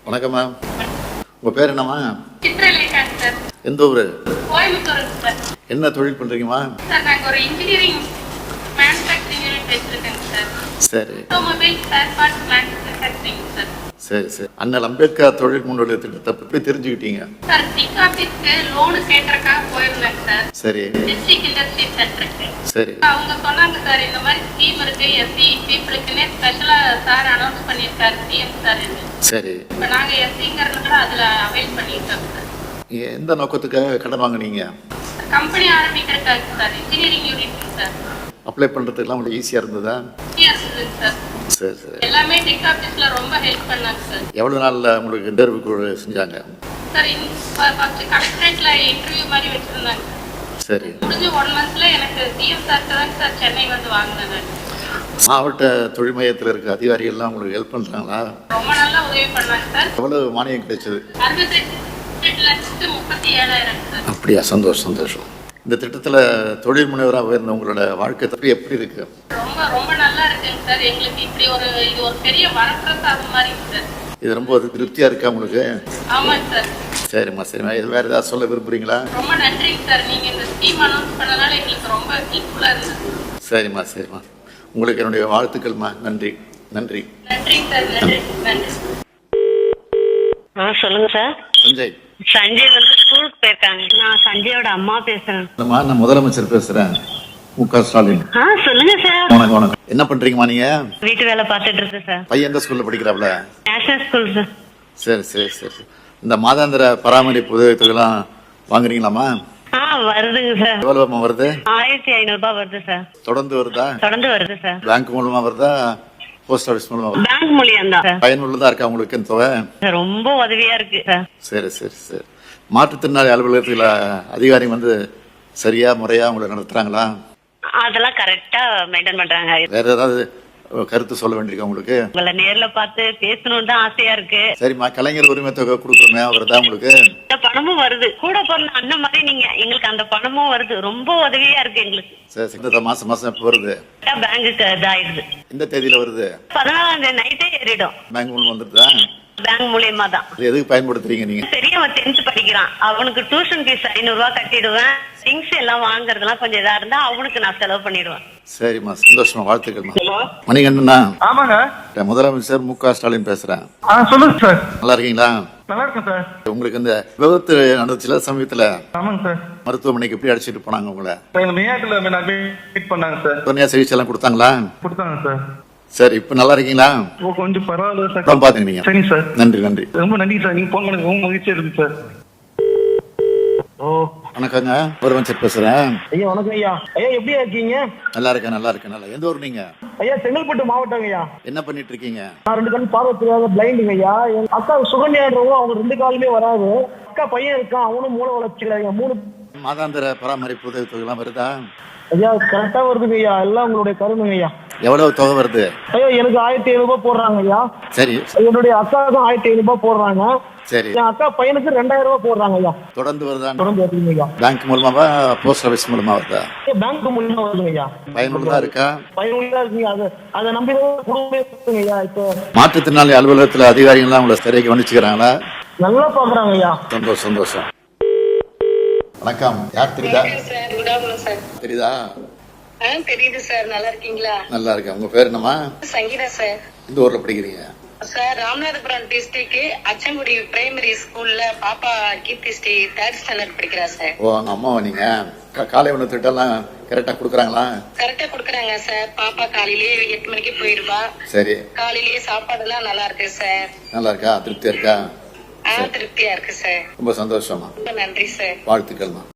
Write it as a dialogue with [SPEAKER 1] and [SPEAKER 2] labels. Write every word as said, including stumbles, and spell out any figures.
[SPEAKER 1] வணக்கம் மேம். உங்கள் பேர் என்னம்மா?
[SPEAKER 2] சித்ரலேகாங்க சார்.
[SPEAKER 1] எந்த ஊர்?
[SPEAKER 2] கோயம்புத்தூர் சார்.
[SPEAKER 1] என்ன தொழில் பண்ணுறீங்கம்மா?
[SPEAKER 2] சார் நாங்கள் ஒரு இன்ஜினியரிங் மேனுஃபேக்சரிங் யூனிட் வச்சுருக்கேங்க சார்.
[SPEAKER 1] சரி.
[SPEAKER 2] Automobile spare parts manufacturing sir.
[SPEAKER 1] சரி சரி. அண்ணல் அம்பேத்கர் தொழில் முன்னோடி திட்டத்தை பற்றி தெரிஞ்சுக்கிட்டீங்க?
[SPEAKER 2] சார் டிக் ஆஃபீஸ்க்கு லோனு கேட்கறக்காக போயிருந்தேங்க சார்.
[SPEAKER 1] சரி.
[SPEAKER 2] டிஸ்ட்ரிக்ட் இண்டஸ்ட்ரி சென்டருக்கு.
[SPEAKER 1] சரி.
[SPEAKER 2] அவங்க சொன்னாங்க சார் இந்த மாதிரி ஸ்கீம் இருக்கு எஸ்சி பீப்புளுக்குன்னே ஸ்பெஷலாக சார் அனௌன்ஸ் பண்ணியிருக்காரு சிஎம் சார்.
[SPEAKER 1] சரி.
[SPEAKER 2] இப்போ நாங்கள் எஸ்சிங்கிறதுனால அதில் அவைல் பண்ணிட்டோம் சார்.
[SPEAKER 1] எந்த நோக்கத்துக்காக கடன் வாங்கினீங்க?
[SPEAKER 2] கம்பெனி ஆரம்பிக்கிறதுக்காக சார். Engineering unit sir.
[SPEAKER 1] அப்ளை பண்ணுறதுக்கெல்லாம் உங்களுக்கு ஈஸியாக இருந்ததா?
[SPEAKER 2] ஈஸியாக இருந்ததுங்க சார்.
[SPEAKER 1] சரி சரி.
[SPEAKER 2] எல்லாமே டிக் ஆஃபீஸ்ல ரொம்ப ஹெல்ப் பண்ணாங்க சார்.
[SPEAKER 1] எவ்வளோ நாளில் உங்களுக்கு இன்டர்வியூ செஞ்சாங்க?
[SPEAKER 2] சார் ஃபர்ஸ்ட் கலெக்டரேட்ல இன்டர்வியூ மாதிரி வச்சிருந்தாங்க.
[SPEAKER 1] சரி.
[SPEAKER 2] முடிஞ்சு ஒன் மந்த்ல எனக்கு சிஎம் சார் தான் சார் சென்னை வந்து வாங்கினேன்.
[SPEAKER 1] மாவட்ட தொழில் மையத்தில் இருக்க அதிகாரிகள்லாம் உங்களுக்கு ஹெல்ப் பண்ணுறாங்களா?
[SPEAKER 2] ரொம்ப நல்லா உதவி பண்ணாங்க சார்.
[SPEAKER 1] எவ்வளோ மானியம் கிடைச்சது?
[SPEAKER 2] அறுபத்தெட்டு லட்சத்து முப்பத்தி ஏழாயிரம் சார்.
[SPEAKER 1] அப்படியா? சந்தோஷம் சந்தோஷம். இந்த திட்டத்தில் தொழில் முனைவராக இருந்த உங்களோட வாழ்க்கை தப்பி எப்படி இருக்கு?
[SPEAKER 2] ரொம்ப ரொம்ப நல்லா இருக்குங்க சார். எங்களுக்கு இப்படி ஒரு இது ஒரு பெரிய வரப்பிரசாதம் மாதிரி சார்.
[SPEAKER 1] இது ரொம்ப திருப்தியாக இருக்கா உங்களுக்கு?
[SPEAKER 2] ஆமாங்க சார்.
[SPEAKER 1] சரிம்மா சரிம்மா. இது வேறு ஏதாவது சொல்ல விரும்புகிறீங்களா?
[SPEAKER 2] ரொம்ப நன்றிங்க சார். நீங்கள் இந்த ஸ்கீம் அனௌன்ஸ் பண்ணனால எங்களுக்கு ரொம்ப ஹெல்ப்ஃபுல்லாக இருந்தது.
[SPEAKER 1] சரிம்மா சரிம்மா. உங்களுக்கு என்னுடைய வாழ்த்துக்கள்மா. நன்றி நன்றி.
[SPEAKER 2] நன்றிங்க சார். நன்றி நன்றி.
[SPEAKER 3] ஆ சொல்லுங்க சார்.
[SPEAKER 1] சஞ்சய்.
[SPEAKER 3] சஞ்சய் வந்து ஸ்கூலுக்கு போயிருக்காங்க. நான் சஞ்சயோட அம்மா பேசுறேன்.
[SPEAKER 1] இல்லைம்மா, நான் முதலமைச்சர் பேசுகிறேன், மு க ஸ்டாலின்.
[SPEAKER 3] ஆ சொல்லுங்க சார்.
[SPEAKER 1] வணக்கம் வணக்கம். என்ன பண்ணுறீங்கம்மா நீங்கள்?
[SPEAKER 3] வீட்டு வேலை பார்த்துட்டு இருக்கேன் சார்.
[SPEAKER 1] பையன் எந்த ஸ்கூலில் படிக்கிறாப்ல?
[SPEAKER 3] National school sir.
[SPEAKER 1] சரி சரி சரி. இந்த மாதாந்திர பராமரிப்பு உதவித்தொகைலாம் வாங்குறீங்களாம்மா?
[SPEAKER 3] ஆ வருதுங்க சார்.
[SPEAKER 1] எவ்வளோம்மா வருது?
[SPEAKER 3] ஆயிரத்தி ஐநூறு ரூபாய் வருது சார்.
[SPEAKER 1] தொடர்ந்து வருதா?
[SPEAKER 3] தொடர்ந்து வருது சார்.
[SPEAKER 1] பேங்க் மூலமாக வருதா, போஸ்ட் ஆஃபீஸ் மூலமாக வருதா?
[SPEAKER 3] பேங்க் மூலியம் தான் சார்.
[SPEAKER 1] பயனுள்ளதாக இருக்கா உங்களுக்கு இந்த தொகை?
[SPEAKER 3] ரொம்ப உதவியா இருக்கு சார்.
[SPEAKER 1] சரி சரி சரி. மாற்றுத்திறனாளி அலுவலகத்தில் அதிகாரி வந்து சரியா முறையா உங்களை நடத்துறாங்களா?
[SPEAKER 3] அதெல்லாம் கரெக்டா மெயின்டைன் பண்றாங்க.
[SPEAKER 1] வேற ஏதாவது கருத்து சொல்ல வேண்டியிருக்கா உங்களுக்கு?
[SPEAKER 3] உங்களை நேர்ல பார்த்து பேசணும்னு தான் ஆசையா இருக்கு.
[SPEAKER 1] சரிம்மா, கலைஞர் உரிமை தொகை கொடுக்குறோமே, அவர் தான் உங்களுக்கு?
[SPEAKER 3] இந்த பணமும் வருது. கூட பிறந்த அண்ணன் மாதிரி நீங்க எங்களுக்கு அந்த பணமும் வருது. ரொம்ப உதவியா இருக்கு எங்களுக்கு.
[SPEAKER 1] சரி. இந்த மாசம் மாசம் எப்போ வருது?
[SPEAKER 3] பேங்குக்கு இதாயிடுது.
[SPEAKER 1] இந்த தேதியில வருது?
[SPEAKER 3] பதினாலாம் தேதி நைட்டே ஏறிடும்.
[SPEAKER 1] பேங்க் மூலம் வந்துருதா?
[SPEAKER 3] பேங்க் மூலியமா தான்.
[SPEAKER 1] எதுக்கு பயன்படுத்துறீங்க நீங்க?
[SPEAKER 3] பெரியவன் டென்த் படிக்கிறான். அவனுக்கு டியூஷன் ஃபீஸ் ஐநூறு ரூபாய் கட்டிடுவேன். திங்ஸ் எல்லாம் வாங்குறதுலாம் கொஞ்சம் இதா இருந்தா அவனுக்கு நான் செலவு பண்ணிடுவேன்.
[SPEAKER 1] சரிம்மா, சந்தோஷமா. வாழ்த்துக்கள்மா. மணிகண்டனா?
[SPEAKER 4] ஆமாங்க.
[SPEAKER 1] முதலமைச்சர் மு க ஸ்டாலின் பேசுறேன்.
[SPEAKER 4] ஆ சொல்லுங்க சார்.
[SPEAKER 1] நல்லா இருக்கீங்களா?
[SPEAKER 4] நல்லா இருக்கேன் சார்.
[SPEAKER 1] உங்களுக்கு இந்த விபத்து நடந்துச்சுல சமயத்துல,
[SPEAKER 4] ஆமாங்க சார்.
[SPEAKER 1] மருத்துவமனைக்கு எப்படி அழைச்சிட்டு போனாங்க உங்களை?
[SPEAKER 4] எங்க மேயாட்டுல அட்மிட் பண்ணாங்க சார்.
[SPEAKER 1] துணையா சிகிச்சை எல்லாம் கொடுத்தாங்களா?
[SPEAKER 4] கொடுத்தாங்க சார்.
[SPEAKER 1] சரி, இப்ப நல்லா இருக்கீங்களா?
[SPEAKER 4] ஓ கொஞ்சம் பரவாயில்ல சார்.
[SPEAKER 1] அப்புறம் பாத்துக்கிட்டீங்க.
[SPEAKER 4] சரி சார்.
[SPEAKER 1] நன்றி நன்றி.
[SPEAKER 4] ரொம்ப நன்றி சார். நீங்க போன் பண்ணது ரொம்ப மகிழ்ச்சியா இருக்கு சார். ஓ
[SPEAKER 1] வணக்கங்க, முதலமைச்சர் பேசுறேன்.
[SPEAKER 5] ஐயா வணக்கம் ஐயா. ஐயா எப்படி இருக்கீங்க?
[SPEAKER 1] நல்லா இருக்கேன் நல்லா இருக்கேன் நல்லா. எந்த ஊர் நீங்க?
[SPEAKER 5] ஐயா செங்கல்பட்டு மாவட்டம் ஐயா.
[SPEAKER 1] என்ன பண்ணிட்டு இருக்கீங்க?
[SPEAKER 5] நான் ரெண்டு கண் பார்வை தெரியாத பிளைண்டுங்க ஐயா. என் அக்கா சுகன்யான்றவங்க, அவங்க ரெண்டு காலுமே வராது. அக்கா பையன் இருக்கான், அவனும் மூளை வளர்ச்சிக்கல. மூணு
[SPEAKER 1] மாதாந்திர பராமரிப்பு உதவி தொகை எல்லாம் வருதா?
[SPEAKER 5] ஐயா கரெக்டா வருதுங்க ஐயா. எல்லாம் உங்களுடைய கருமைங்க ஐயா.
[SPEAKER 1] எவ்வளவு தொகை வருது?
[SPEAKER 5] ஐயா எனக்கு ஆயிரத்தி ஐநூறு ரூபாய் போடுறாங்க ஐயா.
[SPEAKER 1] சரி.
[SPEAKER 5] என்னுடைய அக்காவுக்கும் ஆயிரத்தி ஐநூறு ரூபாய் போடுறாங்க.
[SPEAKER 1] சரி.
[SPEAKER 5] என் அக்கா பையனுக்கு ரெண்டாயிரம் ரூபாய் போடுறாங்க ஐயா.
[SPEAKER 1] தொடர்ந்து வருதா?
[SPEAKER 5] தொடர்ந்து வருதுங்க ஐயா.
[SPEAKER 1] பேங்க் மூலமாவா, போஸ்ட் ஆபீஸ் மூலமா வருதா?
[SPEAKER 5] பேங்க் மூலியமா வருதுங்க ஐயா.
[SPEAKER 1] பயனுள்ளதா இருக்கா?
[SPEAKER 5] பயனுள்ளதா இருக்குங்க. அது அதை நம்பி குடும்பமே இருக்குங்க ஐயா. இப்போ
[SPEAKER 1] மாற்றுத்திறனாளி அலுவலகத்துல அதிகாரிகள்லாம் உங்களை சரியாக கவனிச்சுக்கிறாங்களா?
[SPEAKER 5] நல்லா பாக்குறாங்க ஐயா.
[SPEAKER 1] சந்தோஷம் சந்தோஷம். வணக்கம். யார் தெரியுதா?
[SPEAKER 2] Sir good afternoon sir.
[SPEAKER 1] தெரியுதா?
[SPEAKER 2] ஆ தெரியுது சார். நல்லா இருக்கீங்களா?
[SPEAKER 1] நல்லா இருக்கேன். உங்க பேர் என்னம்மா?
[SPEAKER 2] சங்கீதா சார்.
[SPEAKER 1] இந்த ஊர்ல படிக்கிறீங்க?
[SPEAKER 2] Sir Ramanathapuram district Achankudi primary ஸ்கூல்ல பாப்பா கீர்த்தி ஸ்ரீ தேர்ட் ஸ்டாண்டர்ட் படிக்கிறா சார்.
[SPEAKER 1] ஓ, அங்க அம்மாவா நீங்க? கா- காலை உணவு திட்டம்லாம் கரெக்டா கொடுக்குறாங்களா?
[SPEAKER 2] கரெக்டா குடுக்கறாங்க சார். பாப்பா காலையிலேயே எட்டு மணிக்கு போயிருவா.
[SPEAKER 1] சரி.
[SPEAKER 2] காலையிலேயே சாப்பாடு எல்லாம் நல்லா இருக்கு சார்.
[SPEAKER 1] நல்லா இருக்கா? திருப்தியா இருக்கா?
[SPEAKER 2] ஆ திருப்தியா இருக்கு சார்.
[SPEAKER 1] ரொம்ப சந்தோஷமா.
[SPEAKER 2] ரொம்ப நன்றி சார்.
[SPEAKER 1] வாழ்த்துக்கள்மா.